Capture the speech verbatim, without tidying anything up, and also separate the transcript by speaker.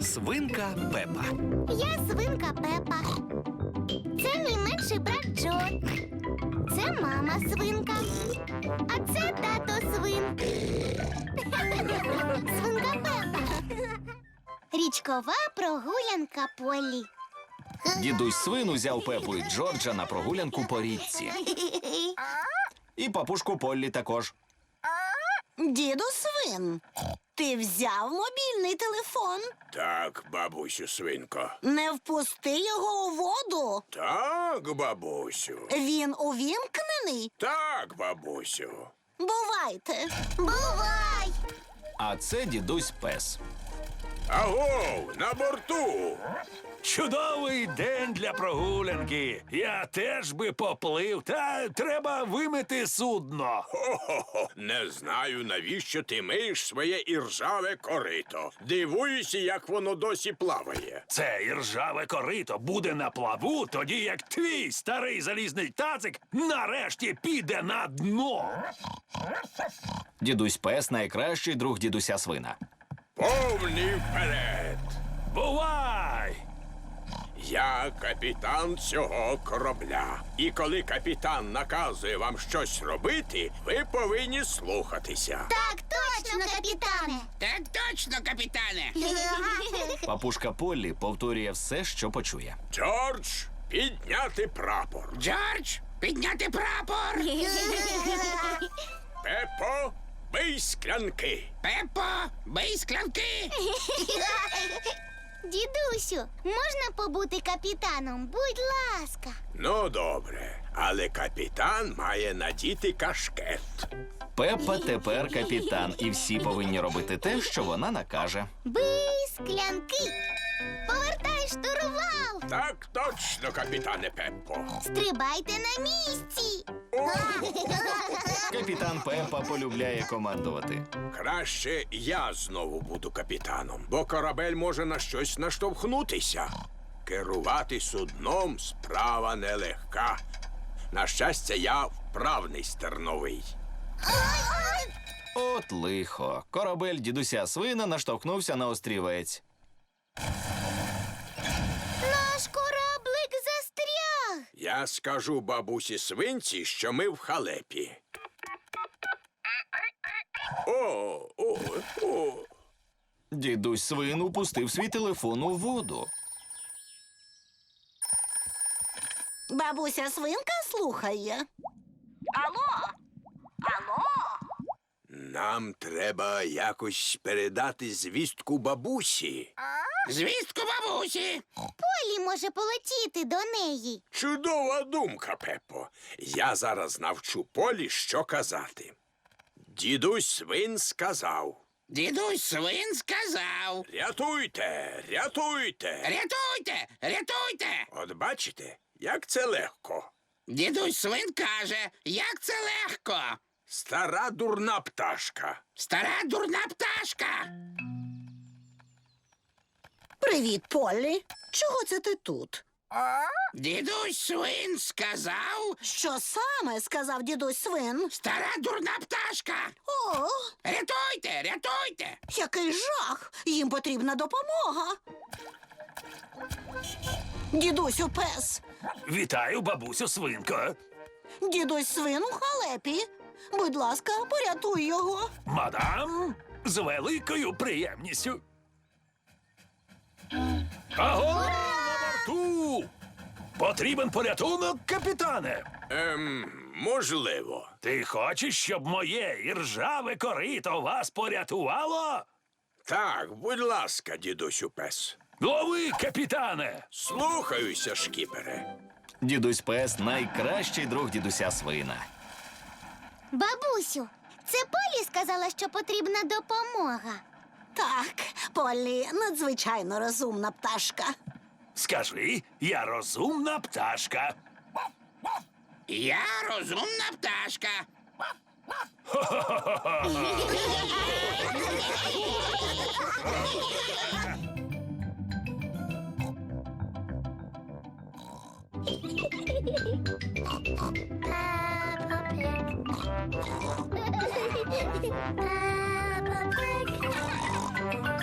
Speaker 1: Свинка Пепа.
Speaker 2: Я свинка Пепа. Це мій менший брат Джо. Це мама свинка. А це тато свин. Свинка Пепа. Річкова прогулянка Поллі.
Speaker 1: Дідусь свин узяв Пепу і Джорджа на прогулянку по річці. І папушку Поллі також.
Speaker 3: Діду свин, ти взяв мобільний телефон?
Speaker 4: Так, бабусю свинко.
Speaker 3: Не впусти його у воду.
Speaker 4: Так, бабусю.
Speaker 3: Він увімкнений?
Speaker 4: Так, бабусю.
Speaker 3: Бувайте.
Speaker 2: Бувай!
Speaker 1: А це дідусь пес.
Speaker 4: Агов, на борту.
Speaker 5: Чудовий день для прогулянки. Я теж би поплив, та треба вимити судно.
Speaker 4: Хо-хо-хо. Не знаю, навіщо ти миєш своє іржаве корито. Дивуюся, як воно досі плаває.
Speaker 5: Це іржаве корито буде на плаву, тоді як твій старий залізний тацик нарешті піде на дно.
Speaker 1: Дідусь пес найкращий друг дідуся свина.
Speaker 4: Повний вперед.
Speaker 5: Бувай!
Speaker 4: Я капітан цього корабля. І коли капітан наказує вам щось робити, ви повинні слухатися.
Speaker 2: Так точно, капітане!
Speaker 6: Так точно, капітане.
Speaker 1: Папушка Поллі повторює все, що почує.
Speaker 4: Джордж, підняти прапор.
Speaker 6: Джордж, підняти прапор.
Speaker 4: Пепо, бий склянки.
Speaker 6: Пепо, бий склянки.
Speaker 2: Дідусю, можна побути капітаном? Будь ласка.
Speaker 4: Ну, добре, але капітан має надіти кашкет.
Speaker 1: Пепа тепер капітан, і всі повинні робити те, що вона накаже.
Speaker 2: Бий склянки. Повертай штурвал.
Speaker 4: Так точно, капітане Пеппо.
Speaker 2: Стрибайте на місці.
Speaker 1: Капітан Пепа полюбляє командувати.
Speaker 4: Краще я знову буду капітаном, бо корабель може на щось наштовхнутися. Керувати судном справа нелегка. На щастя, я вправний стерновий.
Speaker 1: От лихо. Корабель дідуся свина наштовхнувся на острівець.
Speaker 2: Наш кораблик застряг.
Speaker 4: Я скажу бабусі свинці, що ми в халепі. О, о, о.
Speaker 1: Дідусь свин упустив свій телефон у воду.
Speaker 3: Бабуся свинка слухає. Алло? Алло?
Speaker 4: Нам треба якось передати звістку бабусі.
Speaker 6: Звістку бабусі.
Speaker 2: Полі може полетіти до неї.
Speaker 4: Чудова думка, Пеппо. Я зараз навчу Полі, що казати. Дідусь свин сказав.
Speaker 6: Дідусь свин сказав.
Speaker 4: Рятуйте, рятуйте.
Speaker 6: Рятуйте, рятуйте.
Speaker 4: От бачите, як це легко.
Speaker 6: Дідусь свин каже, як це легко.
Speaker 4: Стара дурна пташка.
Speaker 6: Стара дурна пташка.
Speaker 3: Привіт, Поллі. Чого це ти тут?
Speaker 6: Дідусь свин сказав,
Speaker 3: Що саме сказав дідусь свин?
Speaker 6: стара дурна пташка.
Speaker 3: О,
Speaker 6: Рятуйте, рятуйте.
Speaker 3: який жах! Їм потрібна допомога. Дідусю пес.
Speaker 5: Вітаю, бабусю свинко.
Speaker 3: Дідусь свин у халепі. Будь ласка, порятуй його.
Speaker 5: Мадам, з великою приємністю. Аго, на борту! Потрібен порятунок, капітане.
Speaker 4: Ем, можливо.
Speaker 5: Ти хочеш, щоб моє іржаве корито вас порятувало?
Speaker 4: Так, будь ласка, дідусю пес.
Speaker 5: Лови, капітане!
Speaker 4: Слухаюся, шкіпере.
Speaker 1: Дідусь пес найкращий друг дідуся свина.
Speaker 2: Бабусю, це Полі сказала, що потрібна допомога.
Speaker 3: Так, Поллі надзвичайно розумна пташка.
Speaker 5: Скажи, я розумна пташка.
Speaker 6: Я розумна пташка.
Speaker 2: Peppa Pig.